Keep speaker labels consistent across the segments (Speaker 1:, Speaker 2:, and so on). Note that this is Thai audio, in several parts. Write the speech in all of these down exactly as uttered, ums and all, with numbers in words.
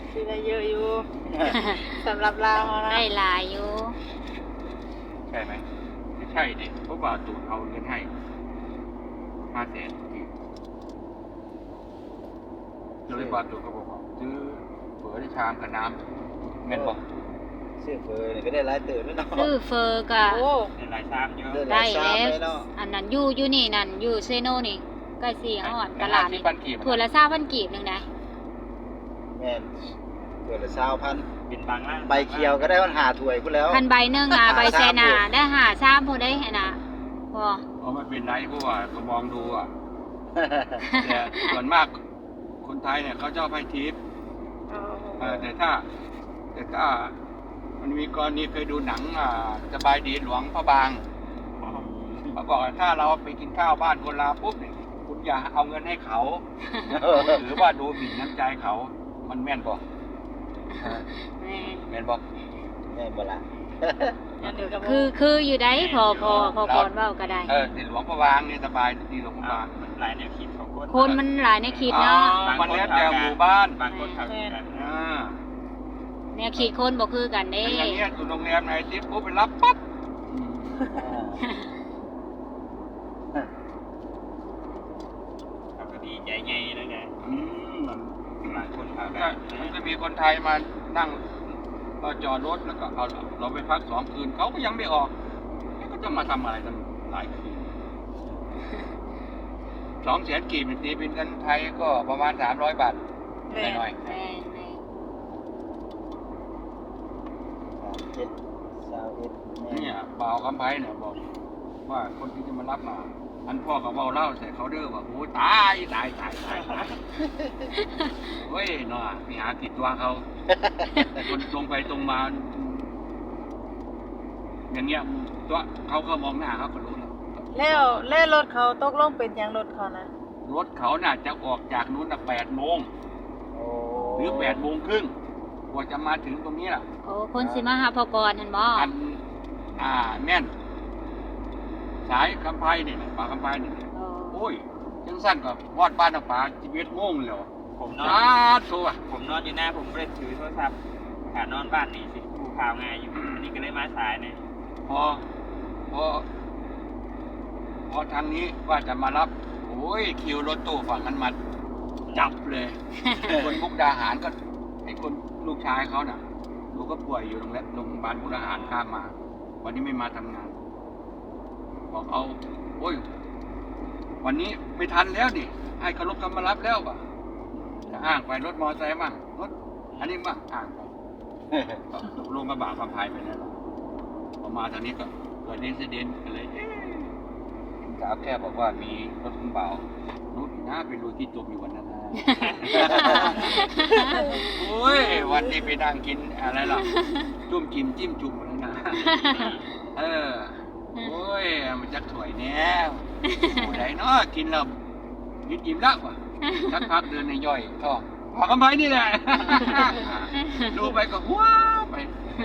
Speaker 1: สิได้เยอะอยู่ สำหรับเรานะ
Speaker 2: ได้หลายอยู่
Speaker 3: ใช่ไหมไม่ใช่ดิเพราะว่าตูนเอาเงินให้ห้าแสนเลยบาตูนก็บอกว่าซื้อเฝอได้ชามกับน้ำเงินบอก
Speaker 4: ซื้อเฟอร์นี่ก็ได้หลายตื่นด้วยเนาะ
Speaker 2: ซื้อเฟอร์ก็
Speaker 1: โอ้
Speaker 3: ในหลายชามเยอะ
Speaker 2: ได้
Speaker 4: หาย
Speaker 2: แล้ว
Speaker 4: ชามเนาะ
Speaker 2: อันนั้นอยู่อยู่นี่นั่นอยู่เซโนนี่ใกล้สี่ห้อนตลาดนี่
Speaker 3: ปันกีบ
Speaker 2: ถั่วละซาพันกีบหนึงนะ
Speaker 4: แม่นเกิดละสาวพัน
Speaker 3: บินบางล่าง
Speaker 4: ใบเขียวก็ได้วันหาถ้วยพุ่นแล้ว
Speaker 2: พันใบหนึงอ่ะใบแซนาได้หาชามพอได้น่ะพอ
Speaker 3: อ๋อไม่เป็นไรเพราะว่าก็มองดูอ่ะแต่ส่วนมากคนไทยเนี่ยเขาชอบให้ทิป เออแต่ถ้าแต่ถ้ามันมีกรณีเคยดูหนังอ่าสบายดีหลวงพระบางเขาบอกว่าถ้าเราไปกินข้าวบ้านคนลาวปุ๊บเนี่ยคุณอย่าเอาเงินให้เขา หรือว่าดูหมิ่นน้ำใจเขา มันแม่นบอก
Speaker 2: แม่น
Speaker 3: แม่นบอก
Speaker 4: แม่นบ่ล่ะ
Speaker 2: คือคืออยู่ได้พอพอพอก่อนเว้าก็ได้
Speaker 3: เออที่หลวงพระบางเนี่ยสบายดีหลวงพระบางมันหลายแนวคิดของคน
Speaker 2: คนมันหลายในขีดเนาะ
Speaker 3: มันแล้วแต่หมู่บ้าน
Speaker 2: บางคนทำ
Speaker 3: อ่า
Speaker 2: แนวขีดคนบ่คือกันเด้
Speaker 3: อย่างเงี้ยอยู่โรงแรมไหนทิปปุ๊บไปรับปั๊บ
Speaker 5: ก็ดีใจไงแล้วไง
Speaker 3: อืม
Speaker 5: บางคนเขา
Speaker 3: ก็มันก็มีคนไทยมานั่งก็จอดรถแล้วก็เอาเราไปพักสองคืนเขาก็ยังไม่ออกแล้วก็จะมาทำอะไรกันหลายคืนสองแสนกีบตีเป็นเงินไทยก็ประมาณสามร้อยบาทหน่อย
Speaker 2: แม่นแม่น
Speaker 4: สามเจ็ดสาวเอ็ด
Speaker 3: ๆ
Speaker 4: แม่
Speaker 3: เนี่ยบ่าวคำไพ่เนี่ยบอกว่าคนที่จะมารับมาอันพ่อกับเบาเล่าใส่เขาเด้อว่าโอ้ตายตายตายตายตายเฮ้ยเนาะไปหาติดตัวเขาคนตรงไปตรงมา อย่างเงี้ยตัวเขาก็มองหน้าเขาก็รู้แล้ว
Speaker 1: แล้วแล้วรถเขาตกลงเป็นหยังรถเขานะ
Speaker 3: รถเขาน่ะจะออกจากนู้นน่ะแปดโมง
Speaker 4: โอ้
Speaker 3: หรือแปดโมงครึ่งกว่าจะมาถึงตรงนี้ล่ะ
Speaker 2: โอ้คนสิมาหาพอกรหั่นบ่
Speaker 3: อันอ่าแม่น สายคำไพ่นี่แหละป่าคำไพ่นี่แหละ
Speaker 2: โอ้
Speaker 3: โอ้ยจังสั้นกับวอดบ้านน้ำป่าชีวิตโมงแล้ว
Speaker 5: ผมนอ
Speaker 3: สาน ธุอ่ะ
Speaker 5: ผมนอนอยู่หน้าผมไม่ได้ถือโทรศัพท์ขานอนบ้านนี่สิดูข่าวง่ายอยู่อันนี้ก็เลยมาสายเนี่ย
Speaker 3: พอพอพอทางนี้ว่าจะมารับ โอ้ยคิวรถตู้ฝั่งนั้นมาจับเลย คนมุกดาหารก็ไอ้คนลูกชายเขาน่ะลูกก็ป่วยอยู่โรงแรมโรงพยาบาลมุกดาหารข้ามมา วันนี้ไม่มาทำงาน บอกเอาโอ้ย วันนี้ไม่ทันแล้วดิให้เขารถเขามารับแล้วป่ะจะอ้างไปรถมอเตอร์ไซค์มั่งรถอันนี้มั่งอ้างไปก็ตกลงกระบะความพายไปแล้วพอมาทางนี้ก็เกิดอุบัติเหตุกันเลยเอ๊ะสาวแค่บอกว่ามีรถคุณเบานุชนะไปลุยที่จมอยู่วันนั้นนะ โอ้ยวันนี้ไปนั่งกินอะไรล่ะจุ่มจิ้มจิ้มจุ่มอะไรนะเออโอ้ยมันจักถวยแน่ผู้ใดเนาะกินแล้วกินจิ้มแล้วว่ะสักพักเดินในย่อยท้องพอกันไปนี่แหละ ดูไปก็ว้าวไป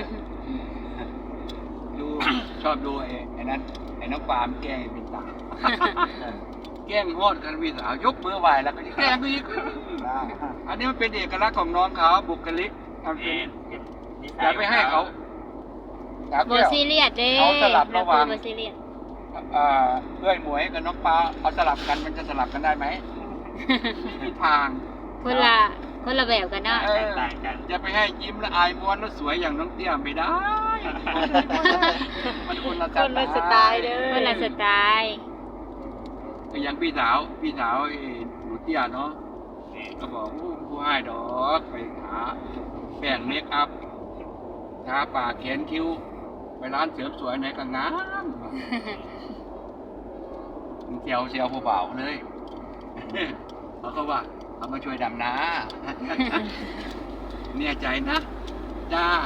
Speaker 3: ดูชอบดูไอ้ไอ้นั้นไอ้น้องปามแกล้งไอ้เป็นตา แกล้งฮอดกันพี่สาวยกมือไหวแล้วก็แกล้งไปอีก อันนี้มันเป็นเอกลักษณ์ของน้องเขาบุคลิกทำเป็นอย่าไปให้เขาอย่า
Speaker 2: บ่
Speaker 3: เที่ยว
Speaker 2: ซีเรียสเด้
Speaker 3: เขาสลับระหว่าง
Speaker 2: บ่ซีเรียส
Speaker 3: อ่าเพื่อยหมวยกับน้องปลาเอาสลับกันมันจะสลับกันได้ไหมไม่ทาง
Speaker 2: คนละคนละแบบกันเนาะ
Speaker 3: เออ
Speaker 5: ต่างกัน
Speaker 3: จะไปให้ยิ้มและอายม้วนแล้วสวยอย่างน้องเตี้ยไม่ได้ มันคนละ
Speaker 1: คนละสไตล์เด้อ
Speaker 2: คนละสไตล์
Speaker 3: ก็อย่างพี่สาวพี่สาวไอ้หนูเตี้ยเนาะก็บอกผู้ผู้ให้ดอกไปหาแป้งเมคอัพทาปากแขนคิ้วไปร้านเสริมสวยไหนก็งามเซียวเซียวผู้บ่าวเลย เขาก็ว่าเขามาช่วยดำนา เนี่ยใจนะจ้า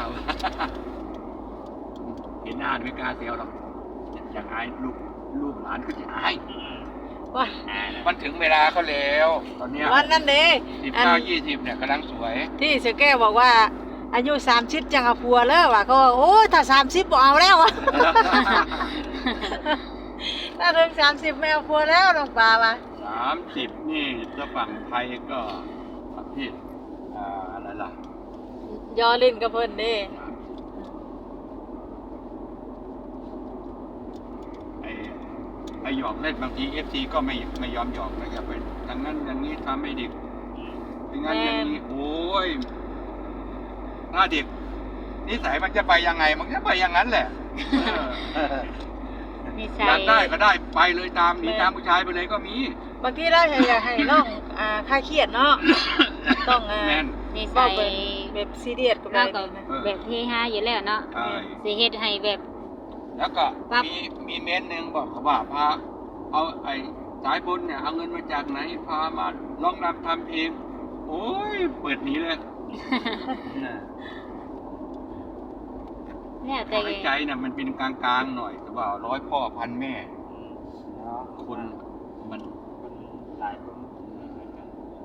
Speaker 3: เห็นหน้าไม่กล้าเซียวหรอกอยากอายลูกลูกหลานก็จะอาย
Speaker 1: ว่า
Speaker 5: อ่าแล้ว
Speaker 3: มันถึงเวลาเขาแล้ว ตอนเนี้ย
Speaker 1: วันนั้นเด้
Speaker 3: สิบ
Speaker 1: อัน
Speaker 3: เก้ายี่สิบเนี่ยกำลังสวย
Speaker 1: ที่เสือแก้วบอกว่า อายุสามสิบจังเอาผัวแล้วว่ะเขาว่าโอ้ยถ้าสามสิบบ่เอาแล้วว่ะ ถ้าถึงสามสิบไม่เอาผัวแล้วน้องปลาว่ะ
Speaker 3: สามสิบนี่ถ้าฝั่งไทยก็ประเทศอ่าอะไรล่ะ
Speaker 1: ยอเล่นกับเพิ่นเด้
Speaker 3: ไอ้ไอ้หยอกเล่นบางทีเอฟซีก็ไม่ไม่ยอมหยอกนะอย่าไปอย่างนั้นอย่างนี้ทำไม่ดีอย่างนั้นอย่างนี้โอ้ยถ้าเด็กนิสัยมันจะไปยังไงมันจะไปอย่างนั้นแหละเออ
Speaker 2: นิ
Speaker 3: อ
Speaker 2: สั
Speaker 3: ยาย กได้ก็ได้ไปเลยตามหนีตามผู้ชายไปเลยก็มี
Speaker 1: บางทีเราอยากให้น้องอ่าคลายเครียดเนาะต้องอ่า
Speaker 3: แม่น
Speaker 2: นิ
Speaker 1: เว้า
Speaker 2: สัย
Speaker 1: เป็นแบบซีเรียสกับ
Speaker 2: เรา
Speaker 1: เรา
Speaker 2: ก็
Speaker 1: นะ
Speaker 2: แบบเฮฮาอยู่แล้วเนาะ
Speaker 3: ใช่
Speaker 2: สิเฮ็ดให้แบบ
Speaker 3: แล้วก็
Speaker 2: ปั๊บ
Speaker 3: มีมีเม้นหนึ่งบอกเขาว่าพาเอาไอ้สายบุญเนี่ยเอาเงินมาจากไหนพามาร้องรำทำเพลงโอ้ยเปิดหนีเลย
Speaker 2: แล้ว
Speaker 3: ข
Speaker 2: แต่
Speaker 3: อให้ใจน่ะมันเป็นกลางๆหน่อยแต่ว่าร้อยพ่อพันแม่
Speaker 4: เนาะ
Speaker 3: คนมัน
Speaker 5: คนหลายคนไม่เหมือนกัน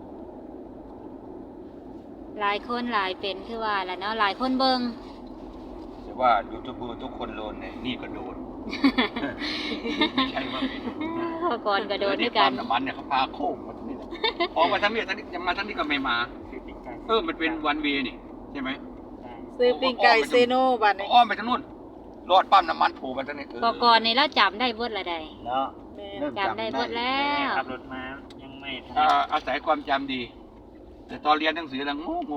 Speaker 2: หลายคนหลายเป็นคือว่าแหละเนาะหลายคนเบิ่ง
Speaker 3: แต่ว่ายูทูบเบอร์ทุกคนโดนเนี่ยนี่ก็โดน ไม่ใช่ว่าไม่โดนนะ
Speaker 2: พอก่อนก็โดน
Speaker 3: เออ
Speaker 2: ด้วยกัน
Speaker 3: ปั๊มน้ำมันเนี่ยเขาพาโค้งมาทั้งนี้แหละออกมาทั้งนี้ทั้งนี้ยังมาทั้งนี้ก็ไม่มา
Speaker 5: คือติดใจ
Speaker 3: เออมันเป็นวันเวนี่ใช่ไหม
Speaker 5: ใช่
Speaker 1: ซื้อปิ้งไก่เซโนบัดนี้
Speaker 3: อ้อมไปทางนู้นรอดปั๊มน้ำมันโผล่มาทั้งนี้เออ
Speaker 2: พอก่อนนี่เราจำได้เบิดละใด
Speaker 4: เนาะ
Speaker 1: แม่
Speaker 4: เริ่ม
Speaker 2: จำได้เบิดแล้
Speaker 5: แม่
Speaker 2: ว
Speaker 5: ขับรถมายังไม่ทัน
Speaker 3: อ่าอาศัยความจำดี แต่ตอนเรียนหนังสือแล้วโง่โง่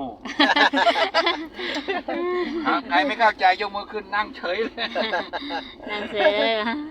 Speaker 3: หาใครไม่เข้าใจยกมือขึ้นนั่งเฉยเลย
Speaker 2: นั่นเสือ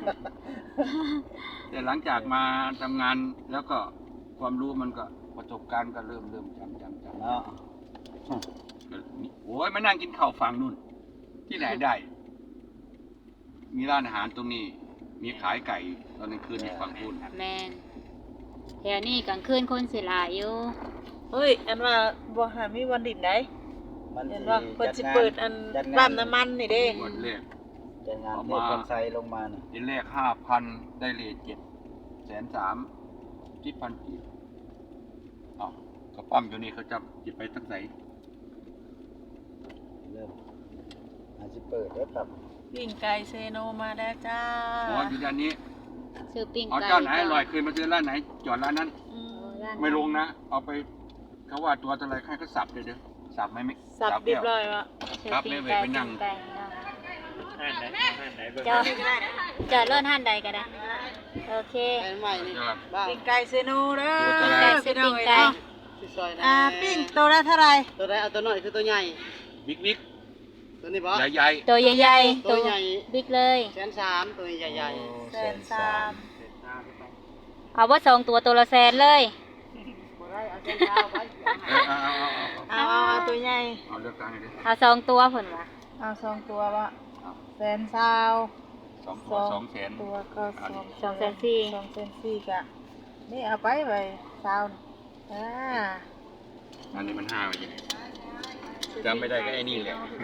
Speaker 3: แต่หลังจากมาทำงานแล้วก็ความรู้มันก็ประสบการณ์ก็เริ่มเริ่มจำจำจำ
Speaker 4: เนาะ
Speaker 3: ก็มีโอ้ยมานั่งกินข้าวฝั่งนู่น ที่ไหนได้ มีร้านอาหารตรงนี้ มีขายไก่ตอนกลางคืนในฝั่งคุณ
Speaker 2: แมนแถวนี้กลางคืนคนสิหลายอยู่
Speaker 1: เฮ้ยอันว่าบ่หามีวันดินได้
Speaker 4: มัน
Speaker 1: เห็น
Speaker 4: สิ
Speaker 1: ว่าเพิ่นสิ
Speaker 4: จัดงาน
Speaker 1: เปิดอัน
Speaker 4: จัดงาน
Speaker 1: ปั๊มน้ำมันนี่เด้
Speaker 3: วันแรก
Speaker 4: จัดงาน
Speaker 3: เอา
Speaker 4: เท
Speaker 3: มา
Speaker 4: พคนไซลงมาน่ะ
Speaker 3: ทีแรกห้าพันได้เลทเจ็ดแสนสามที่พันกีบอ๋อกระปั้มอยู่นี่เขาจะจิบไปตั้งไหน
Speaker 4: เริ่มอาจจะเปิดแล้วครับ
Speaker 1: ปิ้งไก่เซโนมาแล้วจ้า
Speaker 3: อ๋ออยู่ด้านนี้
Speaker 2: ซื้อปิ้ง
Speaker 3: เอา
Speaker 2: ไก่
Speaker 3: เจ้าไหนอร่อยคืนมาซื้อร้านไหน จอดร้านนั้น
Speaker 1: อืม
Speaker 2: ร้าน
Speaker 3: ไม่ลงนะ เอาไปเขาว่าตัวอะไรให้เขาสับเลยเด้อสับไหมไม่
Speaker 1: สับเรียบร้อยวะ
Speaker 2: ซื้อ
Speaker 3: ครับ
Speaker 2: ปิ้ง
Speaker 3: ไม่
Speaker 2: ไก่
Speaker 3: ไปนั่ง
Speaker 2: ปิ้ไก่เนาะ
Speaker 5: ห้านไหนห้านไหนเบิ่ง
Speaker 2: จอดจอดรถห้านใดก็ได้โอเค
Speaker 3: จอด
Speaker 1: ปิ้งไก่เซโนเด้อ
Speaker 3: ตัวเท่าไหร่
Speaker 2: ไก่ซื้อปิ้งไก่
Speaker 1: อ่าปิ้งตัวละเท่าไหร่
Speaker 6: ตัวใดเอาตัวน้อยคือตัวใหญ่
Speaker 3: บิ๊กบิ๊ก
Speaker 6: ตัวนี้บ่
Speaker 3: ใหญ่ใหญ่
Speaker 2: ตัวใหญ่ๆ
Speaker 6: ตัวใหญ่
Speaker 2: บิ๊กเลย
Speaker 6: แสนสามตัวใหญ่
Speaker 1: แสนสาม
Speaker 5: เสร็จตามไป
Speaker 2: เอาว่าสองตัวตัวละแสนเลย
Speaker 6: ๆบ่ได้เอาแสนสามไป
Speaker 3: เออเอาเอาเอาเอา
Speaker 1: เอาเอาเอาตัวใหญ่
Speaker 3: เอาเลือกตั้งให้ดิ
Speaker 2: เอาสองตัวผลวะ
Speaker 1: เอาสองตัววะแสนสาว
Speaker 3: สองตัวสองแสน
Speaker 1: ตัวก็สอง
Speaker 2: สองแสนสี่
Speaker 1: สองแสนสี่กะนี่เอาไปไปสาวนี่อ่า
Speaker 3: อันนี้มันห้าไปยังจำไม่ได้ก็ไอ้นี่แหละ